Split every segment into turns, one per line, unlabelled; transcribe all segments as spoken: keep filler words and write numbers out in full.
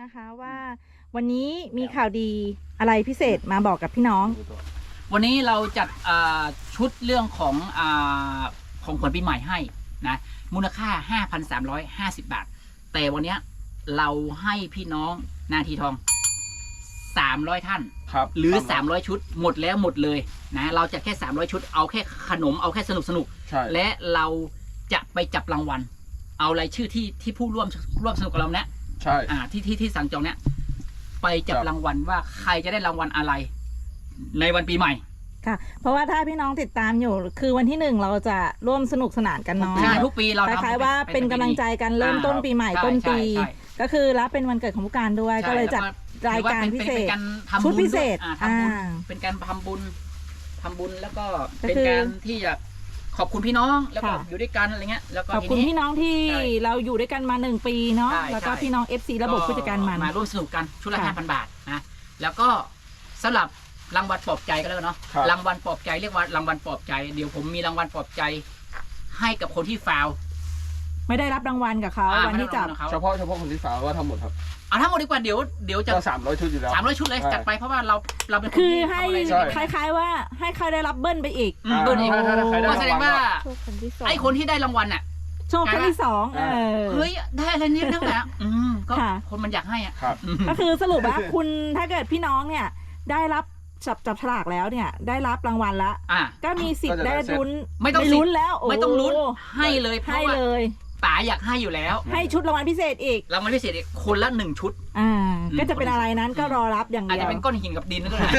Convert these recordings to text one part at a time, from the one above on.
นะคะว่าวันนี้มีข่าวดีอะไรพิเศษมาบอกกับพี่น้อง
วันนี้เราจัดชุดเรื่องของอของขวัญปีใหม่ให้นะมูลค่า ห้าพันสามร้อยห้าสิบ บาทแต่วันนี้เราให้พี่น้องนาทีทองสามร้อยท่านหรือสามร้อยชุดหมดแล้วหมดเลยนะเราจะแค่สามร้อยชุดเอาแค่ขนมเอาแค่สนุกสนุกและเราจะไปจับรางวัลเอารายชื่อที่ที่ผู้ร่วมร่วมสนุกกับเราเนี่ย
ใช่
อ่าที่ที่ที่สั่งจองเนี่ยไปจับรางวัลว่าใครจะได้รางวัลอะไรในวันปีใหม่
ค่ะเพราะว่าถ้าพี่น้องติดตามอยู่คือวันที่หนึ่งเราจะร่วมสนุกสนานกันเนาะ
ใช่ทุกปีเรา
คล้ายๆว่าเป็นกำลังใจกันเริ่มต้นปีใหม่ต้นปีก็คือรับเป็นวันเกิดของผู้การด้วยก็เลยจัดรายการพิเศษชุดพิเศษ
เป็นการทำบุญทำบุญแล้วก็เป็นการที่จะขอบคุณพี่น้องแล้วก็อยู่ด้วยกันอะไรเงี้ยแล้วก็
ขอบคุณพี่น้องที่เราอยู่ด้วยกันมาหนึ่งปีเนาะแล้วก็พี่น้อง เอฟ ซี ระบบผู้จัดการมัน
มาร่วมสนุกกันชุดละ ห้าพัน บาทนะแล้วก็สำหรับรางวัลปลอบใจก็แล้วเนาะรางวัลปลอบใจเรียกว่ารางวัลปลอบใจเดี๋ยวผมมีรางวัลปลอบใจให้กับคนที่ฟาว
ไม่ได้รับรางวัลกับเขาวันที่จับ
เฉพาะเฉพาะคนที่ฟาวว่าทั้งหมดครับ
เอาทั้งหมดดีกว่าเดี๋ยวเดี๋ยวจะ
สามร้อยชุดอยู่แล้ว
สามร้อยชุดเลยจัดไปเพราะว่าเราเราเป็น
คือให้คล้ายๆว่าให้ใครได้รับเบิ้ลไปอีก
เบิ้ลอีกก็แสดงว่าไอ้คนที่ได้รางวัลน่ะ
โชคครั้งที่สอง
เฮ้ยได้อะไรนิดนึงนะอืมก็คนมันอยากให้อ่ะ
ก็คือสรุปว่าคุณถ้าเกิดพี่น้องเนี่ยได้รับจับจับฉลากแล้วเนี่ยได้รับรางวัลละก็มีสิทธิ์ได้ลุ้น
ไม่ต้อง
ลุ้นแล้ว
ไม่ต้องลุ้นให้เลย
ให้เลย
ป๋าอยากให้อยู่แล้ว
ให้ชุดรางวัลพิเศษอีก
รางวัลพิเศษอีกคนละหนึ่งชุด
อ่าก็จะเป็นอะไรนั้นก็รอรับอย่างเดียว
อาจจะเป็นก้อนหินกับดินก็ได้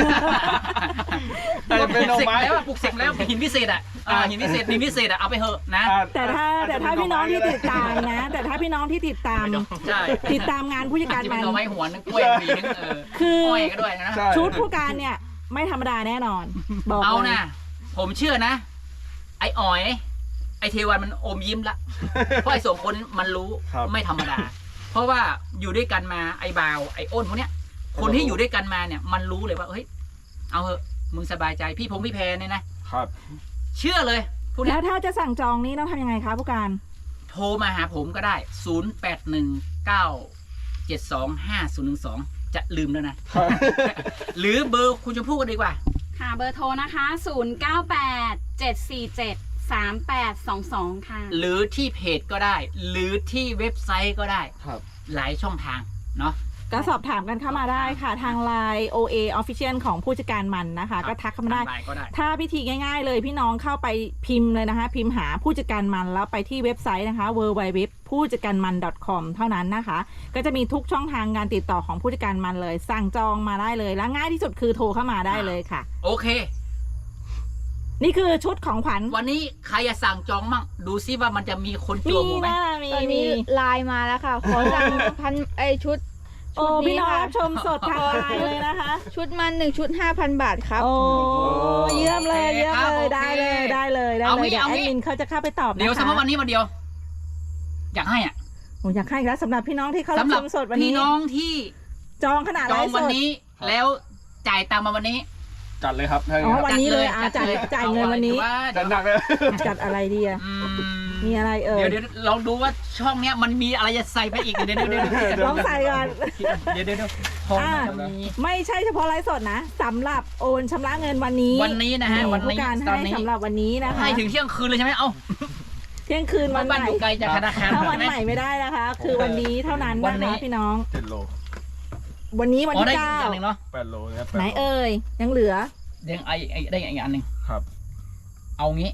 ปลูกเสกแล้วปลูกเสกแล้วหินพิเศษอ่ะหินพิเศษดินพิเศษอ่ะเอาไปเถอะนะ
แต่ถ้าแต่ถ้าพี่น้องที่ติดตามนะแต่ถ้าพี่น้องที่ติดตามติดตามงานผู้จัดการมัน
เอาไว้หัวนึงกล้วยปีนึง
คือ
ก็ด้วยนะ
ชุดผู้การเนี่ยไม่ธรรมดาแน่นอนบอก
เอานะผมเชื่อนะไอ้อ๋อยไอเทวันมันอมยิ้มละเพราะไอสองคนมันรู้ไม่ธรรมดาเพราะว่าอยู่ด้วยกันมาไอบาวไออ้นพวกเนี้ยคนที่อยู่ด้วยกันมาเนี่ยมันรู้เลยว่าเฮ้ยเอาเถอะมึงสบายใจพี่พงพี่แพรเนี่ยนะครับเชื่อเลย
แล้วถ้าจะสั่งจองนี้ต้องทำยังไงคะผู้การ
โทรมาหาผมก็ได้ศูนย์แปดหนึ่งเก้าเจ็ดสองห้าศูนย์หนึ่งสองจะลืมแล้วนะหรือเบอร์คุณชมพู่กันดีกว่า
ค่ะเบอร์โทรนะคะศูนย์เก้าแปดเจ็ดสี่เจ็ดสามแปดสองสองค่ะ
หรือที่เพจก็ได้หรือที่เว็บไซต์ก็ได้ครับหลายช่องทางเนาะ
ก็สอบถามกันเข้ามาได้ค่ะทาง ไลน์ โอ เอ Official ของผู้จัดการมันนะคะก็ทักเข้ามาได้ถ้าพิธีง่ายๆเลยพี่น้องเข้าไปพิมพ์เลยนะคะพิมพ์หาผู้จัดการมันแล้วไปที่เว็บไซต์นะคะ ดับเบิลยู ดับเบิลยู ดับเบิลยู ดอท ผู้จัดการมัน ดอท คอม เท่านั้นนะคะก็จะมีทุกช่องทางการติดต่อของผู้จัดการมันเลยสั่งจองมาได้เลยและง่ายที่สุดคือโทรเข้ามาได้เลยค่ะ
โอเค
นี่คือชุดของขวัญ
วันนี้ใครจะสั่งจองมั่งดูซิว่ามันจะมีคนจองไหม
ตอนนี้ไลน์มาแล้วค่ะขอสั่งพันไอชุด
โอ้พี่น้องรับชมสดทางไลน์เลยนะคะ
ชุดมันหนึ่งชุดห้าพันบาทครับ
โอ้เยี่ยมเลยเยี่ยมเลยได้เลยได้เลยได้เลยเดี๋ยวแอดมินเขาจะเข้าไปตอบนะคะ
เดี๋ยวสมมติวันนี้วันเดียวอยากให้อ่ะ
โอ้อยากให้แล้วสำหรับพี่น้องที่เขารับชมสดวันนี้
พี่น้องที่
จองขนาด
จองวันนี้แล้วจ่ายตังค์มาวันนี้
จัดเลยครับ
อ๋อวันนี้เลยอ่ะจ่ายจ่ายเงินวันนี้
จัดหนักเลย
จัดอะไรดีอ่ะมีอะไรเออ
เดี๋ยวเดี๋ยวลองดูว่าช่องเนี้ยมันมีอะไรจะใส่ไปอีกเดี๋ยวเดี๋ยวเดี๋ยว
ลองใส่ก่อน
เดี๋ยวเดี๋ยว
ไม่ใช่เฉพาะไลฟ์สดนะสำหรับโอนชำระเงินวันนี้
วันนี้นะฮะวันนี้
การให้สำหรับวันนี้นะคะ
ให้ถึงเที่ยงคืนเลยใช่ไหมเอ้า
เที่ยงคืนวันใหม่
ไกลจากธนาคาร
ถ้าวันใหม่ไม่ได้นะคะคือวันนี้เท่านั้นนะคะพี่น้อง
เจ็ดโล
วันนี้วันที่เก้า
แปดโลครับ
ไหนเอ่ยยังเหลือ
ยังไอไอได้อีกอันหนึ่ง
ครับ
เอางี้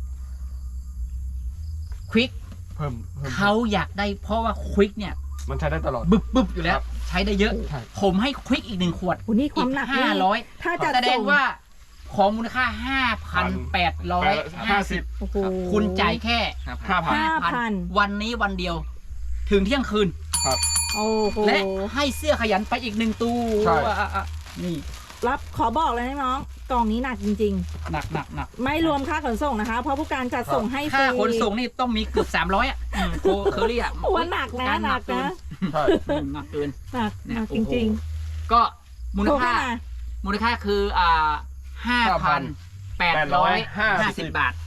ควิก
เพิ่ม
เขาอยากได้เพราะว่าควิกเนี่ย
มันใช้ได้ตลอด
บึบบึบอยู่แล้วใช้ได้เยอะผมให้ควิกอีกหนึ่งขวด
นี่ความหนัก
ห้าร้อย
ถ้าจะ
แสดงว่าของมูลค่าห้าพันแปดร้อยห้าสิบคุณจ่ายแค่
ห้า
พัน
วันนี้วันเดียวถึงเที่ยงคืน
ครับ
และให้เสื้อขยันไปอีกหนึ่งตู้นี่
รับขอบอกเลยนะน้องกล่องนี้หนักจริง
ๆหนักหนักหนัก
ไม่รวมค่าขนส่งนะคะเพราะผู้การจัดส่งให้ฟรี
ค่าขนส่งนี่ต้องมีเกือบสามร้อยอ่ะโคเคอรี่อ่ะ
หัวหนักนะหนักนะ
หนักเกิน
หนักหนักจริง
ๆก็มูลค่ามูลค่าคืออ่าห้าพันแปดร้อยห้าสิบบาท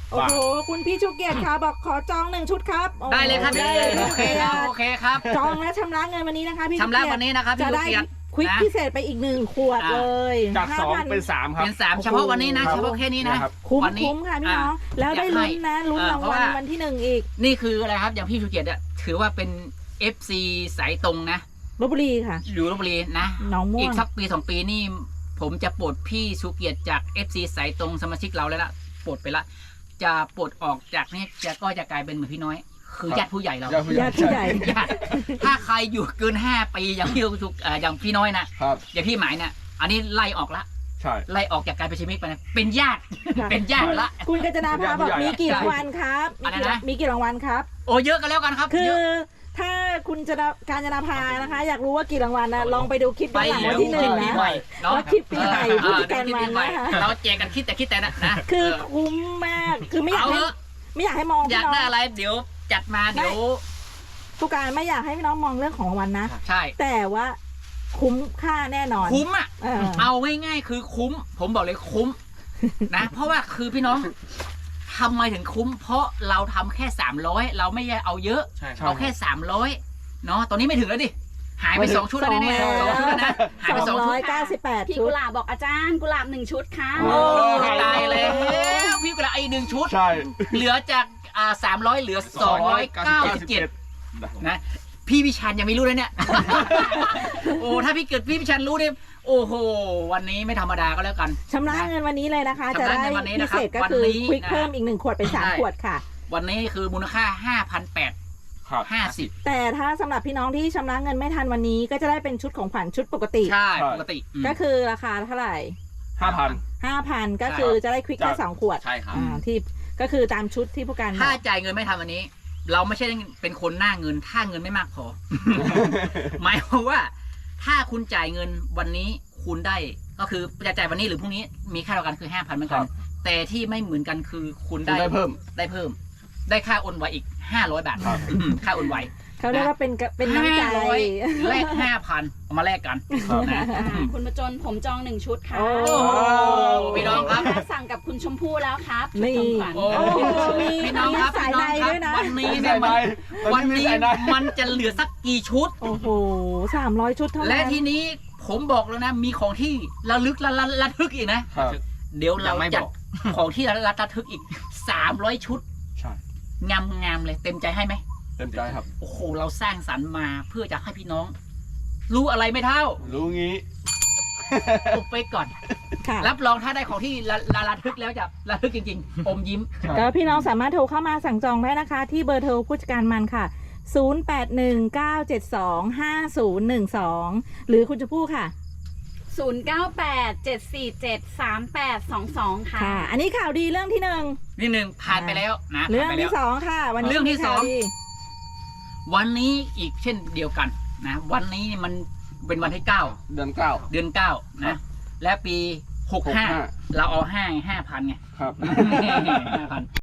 โอ้โหคุณพี่ชูเกียรติค่ะบอกขอจองหนึ่งชุดครับโอ้โห
ได้เลยครับพี่
ได้เลย
โอเคครับโอเคครับ
จองและชำระเงินวันนี้นะคะพี่
ชำระ
ชูเกียรติ
วันนี้นะครับพี่
จะ
ลูก
ได้
เกียรติ
ควิก
นะ
พิเศษไปอีกหนึ่งขวด
อ่า
เลย
จากสอง
ห้าพัน
เป็นสามครับ
เป็นสามเฉพาะวันนี้นะ
ครับ
เฉพาะแค่นี้นะ
ครับ
คุ้ม
วันนี้
คุ้มค่ะพี่น้อง
อ่า
แล้วได้
อยากให้
ลุ้นนะลุ้น
เออ
ราง
เพราะ
วัล
ว่า
วันที่หนึ่งอีก
นี่คืออะไรครับอย่างพี่ชูเกียรติเนี่ยถือว่าเป็น เอฟ ซี สายตรงนะ
ลพบุรีค่ะ
อยู่ลพบุรีนะ
หนองม่ว
อี
ง
กสักปีสองปีนี่ผมจะปลดพี่ชูเกียรติจาก เอฟ ซี สายตรงสมาชิกเราแล้วละปลดไปละจะปลดออกจากนี่จะก็จะกลายเป็นเหมือนพี่น้อย คือญาติผู้ใหญ่เรา
ญาติผู้ใหญ่
ญาติผู้ใหญ่
ญาติถ้าใครอยู่เกินห้าปีอย่างพี่ชูเอ่ออย่างพี่น้อยนะครับ อย่างพี่หมายเนี่ยอันนี้ไล่ออกละ
ใช่
ไล่ออกจากการเป็นชิมิกไปนะเป็นญาติ
ค่ะ
เป็นญาติละ
คุณกัญจนาภาบอก
ผู้ใหญ่
มีกี่รางวัลครับ
อะไร
มีกี่
นะ
มีกี่รางวัลครับ
โอ้เยอะกันแล้วกันครับ
คื
เย
อ
อะ
ถ้าคุณจะการจนาภานะคะ อยากรู้ว่ากี่รางวัลนะลองไปดูคลิป
ไป
ย้อนหลัง
แล้
วั
วน
ที่หนึ่ง
ปี
นะ
ใหม่เนาะ
ว่าคลิปปีใหม่ผู้จัดการ
เออ
มัน
ปีให
นะคะ
เราแจกกันคิดแต่คิดแต่นะนะ
คือ
เออ
คุ้มมากคือไม่อยาก
เอา
ให้
เถอะ
ไม่อยากให้มอง
อ
พี่
ยาก
น้อง
ได้อะไรเดี๋ยวจัดมาเดี๋ยว
ผู้การไม่อยากให้พี่น้องมองเรื่องของรางวัลนะ
ใช่
แต่ว่าคุ้มค่าแน่นอน
คุ้มอ่ะ
เออ
เอาง่ายๆคือคุ้ม ผมบอกเลยคุ้ม นะ เพราะว่าคือพี่น้องทำไมถึงคุ้ม เพราะเราทำแค่สามร้อยเราไม่ได้เอาเยอะ
ใช่ครั
เอา
บ
แค่สามร้อยเนาะตอนนี้ไม่ถึงแล้วดิหายไป
ไม่ถึง
สองชุดแล้วแน่ๆ
ส
ส
อ
อง ง
แล้ว
ชุดแล้วนะหาย
ส
ไป
อง
สองชุ
ร้
ด
อยเก้าสิบแปด
พี่
ชุ
กุ
ด
หลาบบอกอาจารย์กุหลาบหนึ่งชุดค่ะ
โอ้
ตายเลยพี่กุหลาบไอ้หนึ่งชุด
ใช่
เหลือจากอ่าสามร้อยเหลือสองร้อยเก้าสิบเจ็ดนะพี่พิชันยังไม่รู้เลยเนี่ย โอ้ถ้าพี่เกิดพี่พิชันรู้เนี่ยโอ้โหวันนี้ไม่ธรรมดาก็แล้วกัน
ชำระเงินวันนี้เลยนะคะ จะ
ชำระ
ได้
เงินวันนี้
พิ
นะครับ
เศษก็คือ
วันนี้
ควิก
นะ
เพิ่มอีกหนึ่งขวดเป็นสาม
ใช่
ขวดค่ะ
วันนี้คือมูลค่าห้าพันแปด
ครับ
ห้าสิบ
แต่ถ้าสำหรับพี่น้องที่ชำระเงินไม่ทันวันนี้ ก็จะได้เป็นชุดของขวัญชุดปกติ
ใช่
ใช่
ปกติอืม
ก็คือราคาเท่าไหร่
ห้าพัน
ห้าพันก็คือจะได้ควิกแค่
จาก
สองขวด
ใช่ครับ
อ่าที่ก็คือตามชุดที่ผู้การบ
ถ้า
อก
จ่ายเงินไม่ทันวันนี้ เราไม่ใช่เป็นคนหน้าเงิน ถ้าเงินไม่มากพอ หมายความว่า ถ้าคุณจ่ายเงินวันนี้คุณได้ก็คือจะจ่ายวันนี้หรือพรุ่งนี้มีค่าเท่ากันคือห้าพันเหมือนกัน
ครับ
แต่ที่ไม่เหมือนกันคือคุณ
ได้
ได้
เพิ่ม
ได้เพิ่ม ได้ค่าโอนไวอีกห้าร้อยบาท
ครับ
อืมค่าโอนไว
เขาเรียกว่าเป็นกะเป็นน้ำใจ
ห้าร้อยแลกห้าพันเอามาแลกกัน
ครับ
นะ
อ่าคุณประจนผมจองหนึ่งชุดค่ะ
โอ้
โอ้โหพี่น้องครับ
สั่งกับคุณชมพู่แล้วครับ
นี่
ชุดของขวัญ
โอ้
โอ้โหมี
พี่น้องครับ
มีสาย
พี่น้องครั
ในด้วยนะ
วันนี้
มี
เนี่ย
สายใน
มันวัน
มี
นี้
สายใน
มันจะเหลือสักกี่ชุด
โอ้โหสามร้อยชุดเท่านั้น
และทีนี้ผมบอกแล้วนะ มีของที่ระลึกระละระทึกอีกนะ
ครับ
เดี๋ยวเรา
ยังไม่
จัด
บอก
ของที่ระลึกระทึกอีกสามร้อยชุด
ใช่
งามงามๆเลยเต็มใจให้ไหม
เต็มใจครับ
โอ้โหเราสร้างสรรค์มาเพื่อจะให้พี่น้อง รู้อะไรไม่เท่า
รู้งี้
อุบไปก่อน
ค่ะ
รับรองถ้าได้ของที่ระระระทึกแล้วจะระทึกจริงๆ อมยิ้ม
ก็พี่น้องสามารถโทรเข้ามาสั่งจองได้นะคะ ที่เบอร์โทรผู้จัดการมันค่ะ ศูนย์ แปด หนึ่ง เก้า เจ็ด สอง ห้า ศูนย์ หนึ่ง สอง หรือคุณจะพูดค่ะ
ศูนย์เก้าแปด เจ็ดสี่เจ็ด สามแปดสองสองค่ะ
ค่ะ อันนี้ข่าวดีเรื่องที่หนึ่ง
นี่หนึ่งผ่านไปแล้วนะ
เรื่อง
ผ่านไป
ที่
แล้ว
สองค่ะ วันนี้
เรื่องที่
มีข่าว
สอง
ดี
วันนี้อีกเช่นเดียวกันนะวันนี้มันเป็นวันที่เก้า
เดือนเก้า
เดือนเก้า
ครั
นะ
บ
และปีหกห้า
หกห้า
เราเอาห้าห้าพันไง
ครับ
ห้าพัน